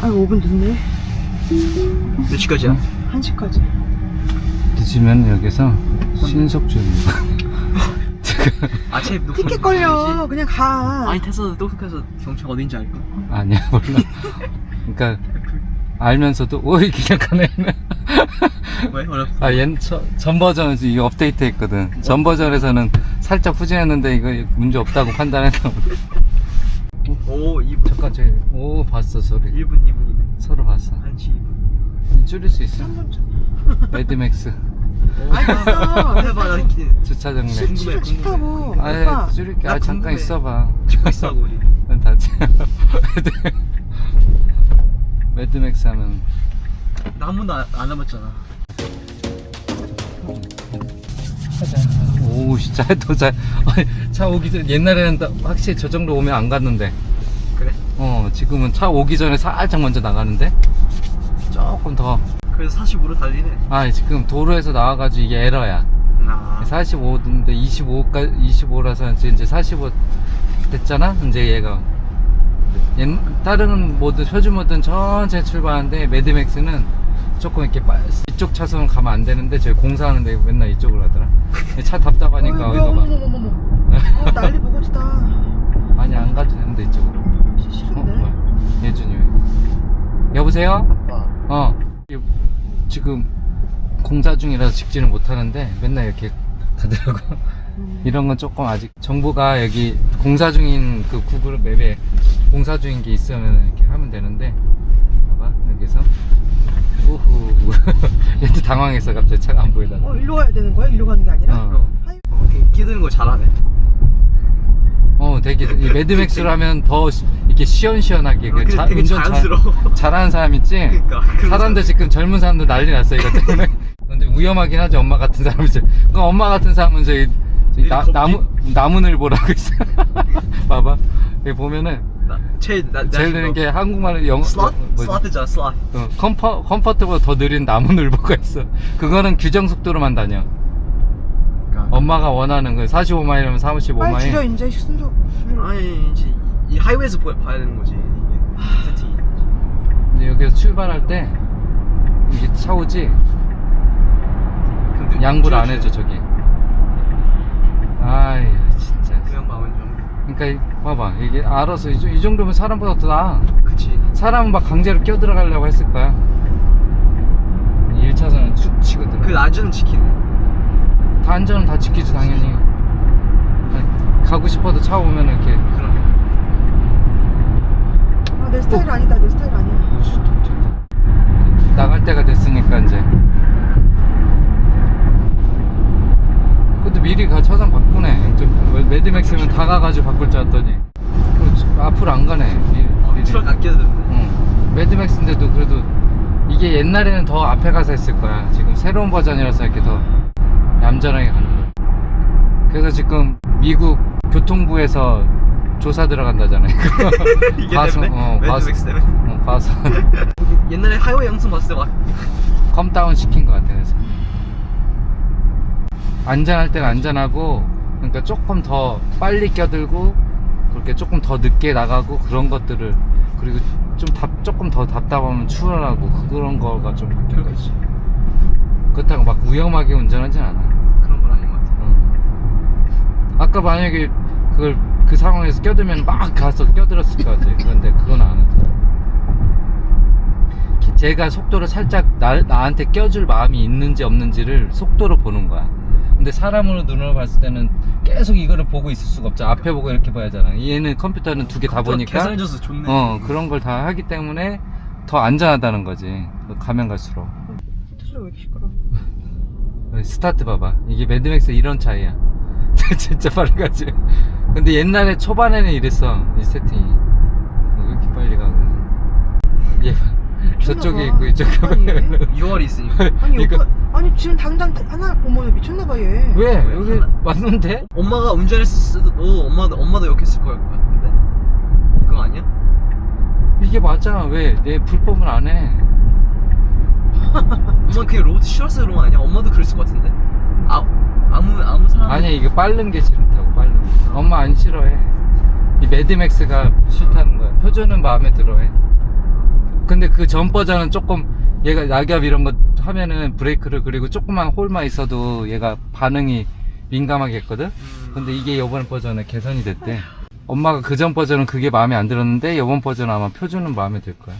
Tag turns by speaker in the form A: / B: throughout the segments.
A: 아 5분 늦네.
B: 몇 시까지야?
A: 1시까지.
C: 늦으면 여기서 신속주의입니다.
B: 아침에
A: 티켓 걸려. 그냥 가.
B: 아니 타서 똑똑해서 경찰 어딘지 알까?
C: 아니야 몰라. 그러니까 알면서도 오이 그냥 가네.
B: 왜? 어렵어?
C: 전 버전은 이 업데이트 했거든. 전 버전에서는 살짝 후진했는데 이거 문제 없다고 판단해서.
B: 오 2분
C: 잠깐 오 봤어 소리.
B: 1분 2분이네
C: 서로 봤어.
B: 1시 2분
C: 줄일 수 있어? 매드맥스
A: 알겠어.
B: 해봐 나
C: 주차장 내.
A: 싫다고.
C: 아예
A: 오빠.
C: 줄일게.
B: 나
C: 잠깐
B: 궁금해.
C: 있어봐.
B: 찍고 있어 우리
C: 난 다지. 매드맥스 하면
B: 나 한 번도 안 해봤잖아
C: 하자. 오 진짜 차 오기 전 옛날에는 확실히 저 정도 오면 안 갔는데
B: 그래?
C: 지금은 차 오기 전에 살짝 먼저 나가는데 조금 더.
B: 그래서 45로 달리네
C: 지금 도로에서 나와가지고 이게 에러야.
B: 아
C: 45인데 25라서 이제 45 됐잖아. 이제 얘가 다른 모드 표준 모드는 천천히 출발하는데 매드맥스는 조금 이렇게 이쪽 차선 가면 안 되는데 저희 공사하는데 맨날 이쪽으로 가더라. 차 답답하니까 어디가 봐.
A: 어머머머머. 난리 보고지다.
C: 아니 안 가도 되는데 이쪽으로.
A: 싫은데.
C: 뭐야? 예준이 왜? 여보세요?
B: 아빠
C: 지금 공사 중이라서 직진을 못 하는데 맨날 이렇게 가더라고. 이런 건 조금 아직 정보가 여기 공사 중인 그 구글 맵에 공사 중인 게 있으면 이렇게 하면 되는데 봐봐 여기서 우후 얘도 당황했어. 갑자기 차가 안 보이다가.
A: 일로 가야 되는 거야? 일로 가는 게 아니라? 아유.
B: 끼드는 거 잘하네
C: 되게 이 매드맥스로 하면 더 이렇게 시원시원하게
B: 되게
C: 운전
B: 자연스러워
C: 잘하는 사람 있지?
B: 그러니까
C: 사람들 지금 젊은 사람들 난리 났어 이것 때문에. 근데 위험하긴 하죠. 엄마 같은 사람은 그 엄마 같은 사람은 저기 나무늘보라고 있어. 봐봐 여기 보면은 제일 느린 게 한국말로
B: 슬라트잖아 슬라트
C: 컴포트보다 더 느린 나무늘보가 있어. 그거는 규정 속도로만 다녀. 엄마가 원하는 거 45마일이면 45마일.
A: 빨리 줄여 이제 순서.
B: 아니 이제 이 하이웨이에서 봐야 되는 거지 이게 세팅이
C: 근데 여기서 출발할 때 이게 차 오지?
B: 근데
C: 양보를 안 해줘 저기. 아이 진짜.
B: 그냥 마음은 좀
C: 그러니까 봐봐 이게 알아서 이 정도면 사람보다 더 나아.
B: 그치
C: 사람은 막 강제로 껴들어가려고 했을 거야. 1차선은 쭉 치거든.
B: 그 안전은 지키네
C: 다 안전은 다 지키지 당연히. 아니, 가고 싶어도 차 오면 이렇게.
B: 그럼
A: 내 스타일 아니다. 내 스타일 아니야.
C: 오씨 좋다. 나갈 때가 됐으니까 이제. 근데 미리 차선 바꾸네. 매드맥스면 다 가가지고 바꿀 줄 알았더니 앞으로 안 가네. 미리.
B: 트럭 안 끼어도
C: 응. 매드맥스인데도 그래도 이게 옛날에는 더 앞에 가서 했을 거야. 지금 새로운 버전이라서 이렇게 더 얌전하게 가는 거야. 그래서 지금 미국 교통부에서 조사 들어간다잖아요.
B: 이게
C: 과속,
B: 때문에? 매드맥스 때문에?
C: 과속.
B: 옛날에 하이웨이 영상 봤을 때 막
C: 컴다운 시킨 것 같아. 그래서 안전할 때는 안전하고, 그러니까 조금 더 빨리 껴들고 그렇게 조금 더 늦게 나가고 그런 것들을, 그리고 조금 더 답답하면 추월하고 그런 거가 좀 바뀐 거지. 그렇다고 막 위험하게 운전하진 않아.
B: 그런 건 아닌 것 같아
C: 아까 만약에 그 상황에서 껴들면 막 가서 껴들었을 것 같아. 그런데 그건 안 해서. 제가 속도를 살짝 나한테 껴줄 마음이 있는지 없는지를 속도로 보는 거야. 근데 사람으로 눈으로 봤을 때는 계속 이거를 보고 있을 수가 없잖아. 앞에 보고 이렇게 봐야 하잖아. 얘는 컴퓨터는 두 개 다 보니까
B: 계산해줘서 좋네
C: 그런 걸 다 하기 때문에 더 안전하다는 거지. 가면 갈수록.
A: 소리 왜 이렇게 시끄러?
C: 스타트 봐봐. 이게 매드맥스 이런 차이야. 진짜 빠르가지. 근데 옛날에 초반에는 이랬어. 이 세팅이. 왜 이렇게 빨리 가고. 얘 봐. 저쪽에 있고 이쪽에 봐.
B: 6월이 있으니까
A: 아니
C: 이거-
A: 오빠, 아니 지금 당장 하나 어머 미쳤나봐 얘.
C: 왜? 여기 왔는데?
B: 엄마가 운전했을 때도 엄마도 욕했을 것 같은데 그거 아니야?
C: 이게 맞아. 왜? 내 불법은 안 해.
B: 엄마 그냥 로드 싫어서 그런 거 아니야? 엄마도 그랬을 것 같은데 아무 사람
C: 아니야, 이게 빠른 게 싫다고. 빠른 게. 엄마 안 싫어해. 이 매드맥스가 싫다는 거야. 표준은 마음에 들어해. 근데 그 전 버전은 조금 얘가 낙엽 이런 거 하면은 브레이크를 그리고 조그만 홀만 있어도 얘가 반응이 민감하게 했거든. 근데 이게 이번 버전에 개선이 됐대. 엄마가 그 전 버전은 그게 마음에 안 들었는데 이번 버전은 아마 표준은 마음에 들 거야.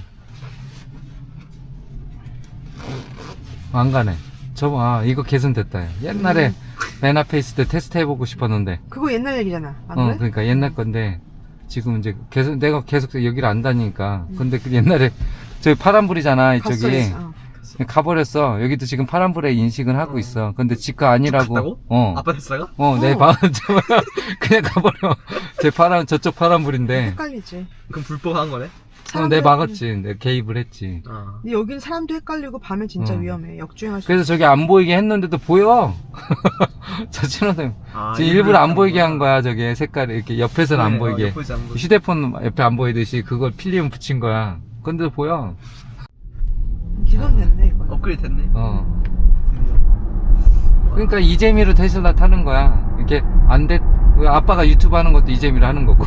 C: 안 가네. 이거 개선됐다. 야. 옛날에 맨 앞에 있을 때 테스트 해보고 싶었는데.
A: 그거 옛날 얘기잖아. 안 그래?
C: 그러니까 옛날 건데 지금 이제 내가 계속 여기를 안 다니니까. 근데 그 옛날에 저기 파란불이잖아 이쪽이.
A: 갔어.
C: 가버렸어. 여기도 지금 파란불에 인식은 하고 있어. 근데 지가 아니라고.
B: 갔다고?
C: 어.
B: 아빠 테스라가?
C: 내 마음 그냥 가버려. 저쪽 파란불인데.
A: 헷갈리지.
B: 그럼 불법한 거네?
C: 내 막았지. 내 개입을 했지.
A: 근데 여긴 사람도 헷갈리고 밤에 진짜 위험해. 역주행할 수
C: 그래서 저기 안 보이게 했는데도 보여. 저 신호등. 지금 일부러 안 보이게 한 거야. 저게 색깔이 이렇게 옆에서는 안 보이게.
B: 옆에서 안 보이게.
C: 휴대폰 옆에 안 보이듯이 그걸 필름 붙인 거야. 근데도 보여.
A: 기본 됐네 이거.
B: 업그레이드 됐네. 드디어.
C: 그러니까 이재미로 테슬라 타는 거야. 이렇게 안 돼. 아빠가 유튜브 하는 것도 이재미로 하는 거고.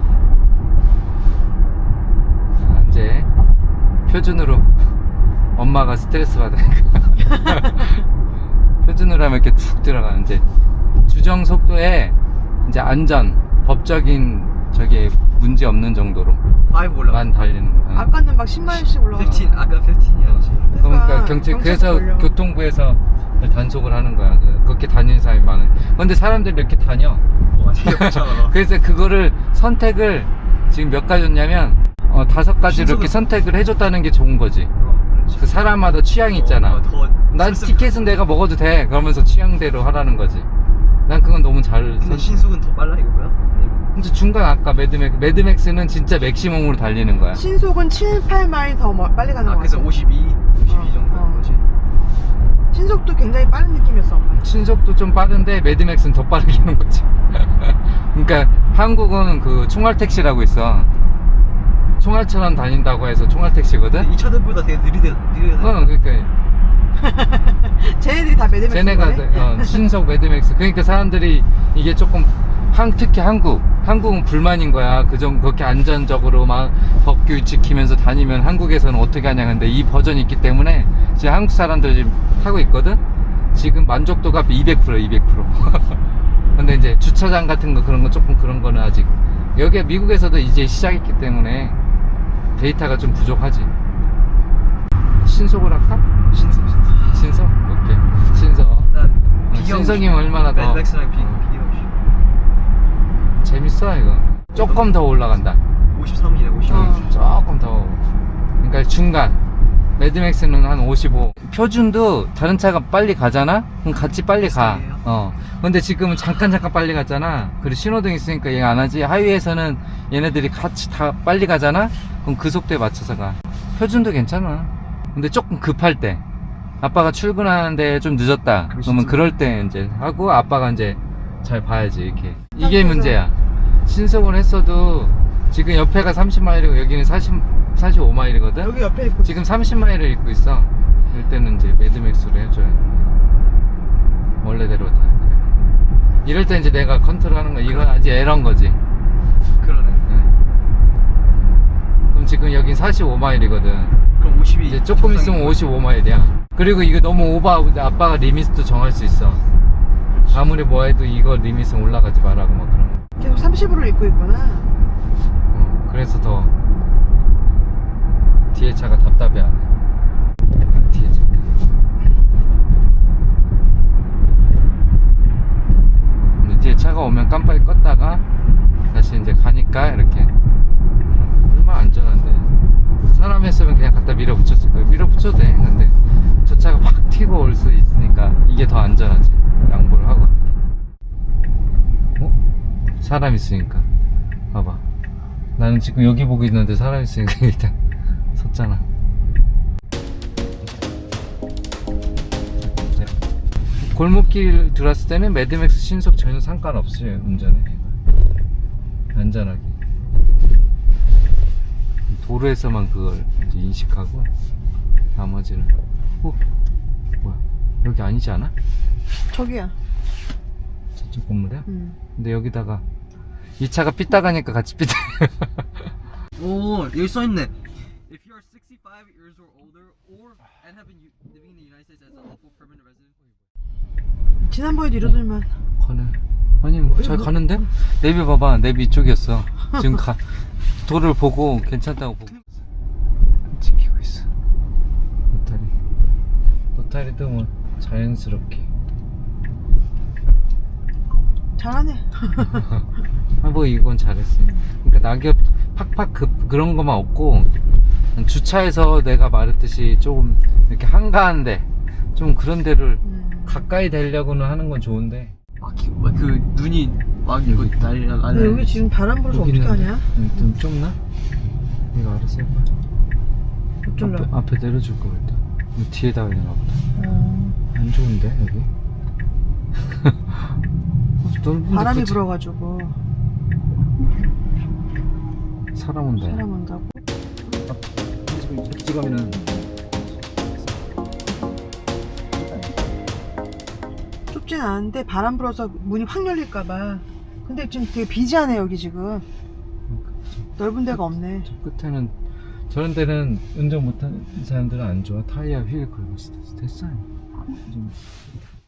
C: 이제 표준으로 엄마가 스트레스 받으니까 표준으로 하면 이렇게 툭 들어가. 이제 주정 속도에 이제 안전 법적인 저게 문제 없는 정도로
B: 5 올라가.
C: 만 달리는 거야.
A: 아까는 막 10마일씩 올라가.
B: 15, 아까 15이었지.
C: 그러니까 그래서
A: 걸려.
C: 교통부에서 단속을 하는 거야. 그렇게 다니는 사람이 많아요. 근데 사람들이 이렇게 다녀.
B: 재미없잖아.
C: 그래서 그거를 선택을 지금 몇 가지였냐면 5가지를 이렇게 선택을 해줬다는 게 좋은 거지.
B: 그렇지.
C: 그 사람마다 취향이 있잖아. 난 티켓은 내가 먹어도 돼. 그러면서 취향대로 하라는 거지. 난 그건 너무 잘.
B: 근데 신속은 더 빨라 이거야?
C: 근데 중간 아까 매드맥스는 진짜 맥시멈으로 달리는 거야.
A: 신속은 7, 8마일 더 빨리 가는 거
B: 그래서
A: 같아.
B: 52 정도 하는 거지.
A: 신속도 굉장히 빠른 느낌이었어 엄마.
C: 신속도 좀 빠른데 매드맥스는 더 빠르게 하는 거지. 그러니까 한국은 그 총알택시라고 있어. 총알처럼 다닌다고 해서 총알택시거든?
B: 이 차들보다 되게 느리대.
C: 그러니까
A: 쟤네들이 다 매드맥스.
C: 쟤네가 신속 매드맥스. 그러니까 사람들이 이게 조금 특히 한국은 불만인 거야. 그렇게 안전적으로 막 법규 지키면서 다니면 한국에서는 어떻게 하냐. 근데 이 버전이 있기 때문에 지금 한국 사람들 지금 타고 있거든. 지금 만족도가 200%. 근데 이제 주차장 같은 거 그런 거 조금 그런 거는 아직 여기 미국에서도 이제 시작했기 때문에 데이터가 좀 부족하지. 신속을 할까?
B: 신속.
C: 신속? 오케이. 신속. 신속이면 얼마나 더
B: 매드맥스랑 비교하고
C: 재밌어 이거. 조금 더 올라간다.
B: 53이네 52.
C: 조금 더. 그러니까 중간. 매드맥스는 한 55. 표준도 다른 차가 빨리 가잖아? 그럼 같이 빨리 가.
B: 비슷하게요?
C: 근데 지금은 잠깐 빨리 갔잖아. 그리고 신호등 있으니까 얘가 안 하지. 하이웨이에서는 얘네들이 같이 다 빨리 가잖아? 그럼 그 속도에 맞춰서 가. 표준도 괜찮아. 근데 조금 급할 때. 아빠가 출근하는데 좀 늦었다. 그러면 그럴 때 이제 하고 아빠가 이제 잘 봐야지 이렇게. 이게 문제야. 신속을 했어도 지금 옆에가 30마일이고 여기는 45마일이거든?
A: 여기 옆에 있고.
C: 지금 30마일을 입고 있어. 이럴 때는 이제 매드맥스로 해줘야 돼. 원래대로 다. 이럴 때 이제 내가 컨트롤하는 거. 이건 아직 에러인 거지.
B: 그러네.
C: 그럼 지금 여긴 45마일이거든.
B: 그럼 52.
C: 이제 조금 있으면 55마일이야. 그리고 이거 너무 오버하고 아빠가 리미트도 정할 수 있어. 아무리 뭐 해도 이거 리미트는 올라가지 말라고 막 그런 거.
A: 계속 30으로 입고 있구나.
C: 그래서 더 뒤에 차가 답답해하네. 뒤에 차. 근데 뒤에 차가 오면 깜빡이 껐다가 다시 이제 가니까 이렇게. 얼마나 안전한데. 사람 했으면 그냥 갖다 밀어붙였을 거예요. 밀어붙여도 돼. 근데 저 차가 팍 튀고 올 수 있으니까 이게 더 안전하지. 양보를 하고. 사람 있으니까. 봐봐. 나는 지금 여기 보고 있는데 사람 있으니까 일단 섰잖아. 네. 골목길 들어왔을 때는 매드맥스 신속 전혀 상관없어요. 운전에 안전하게. 도로에서만 그걸 이제 인식하고 나머지는. 뭐야, 여기 아니지 않아?
A: 저기야.
C: 저쪽 건물이야? 근데 여기다가 이 차가 삐딱하니까 같이 삐딱.
B: 오 여기 써있네. If you are 65 years or older, or and have been living in the United States as a lawful permanent resident.
A: 지난번에도 이러더니만.
C: 가네. 아니 잘 가는데? 내비 봐봐. 내비 이쪽이었어. 지금 도를 보고 괜찮다고 보고 지키고 있어. 노타리도 뭐 자연스럽게.
A: 잘하네.
C: 뭐 이건 잘했어. 그러니까 낙엽 팍팍 그런 것만 없고 주차해서 내가 말했듯이 조금 이렇게 한가한데 좀 그런 데를 가까이 대려고는 하는 건 좋은데.
B: 그 눈이 막 이거 날리랑
A: 근데 여기 지금 바람 불어서 어떻게 하냐?
C: 좀 좁나? 이거 알아서 해봐.
A: 어쩔라.
C: 앞에 내려줄 거 일단. 뒤에다가 있나 보다. 안 좋은데 여기?
A: 바람이 불어가지고
C: 사람 온다.
A: 사람 온다고?
C: 지금 이렇게 가면은
A: 좁진 않은데 바람 불어서 문이 확 열릴까봐. 근데 지금 되게 비지하네 여기 지금. 넓은 데가 없네.
C: 저 끝에는 저런 데는 운전 못하는 사람들은 안 좋아. 타이어 휠 긁을 수도 있어. 됐어요. 좀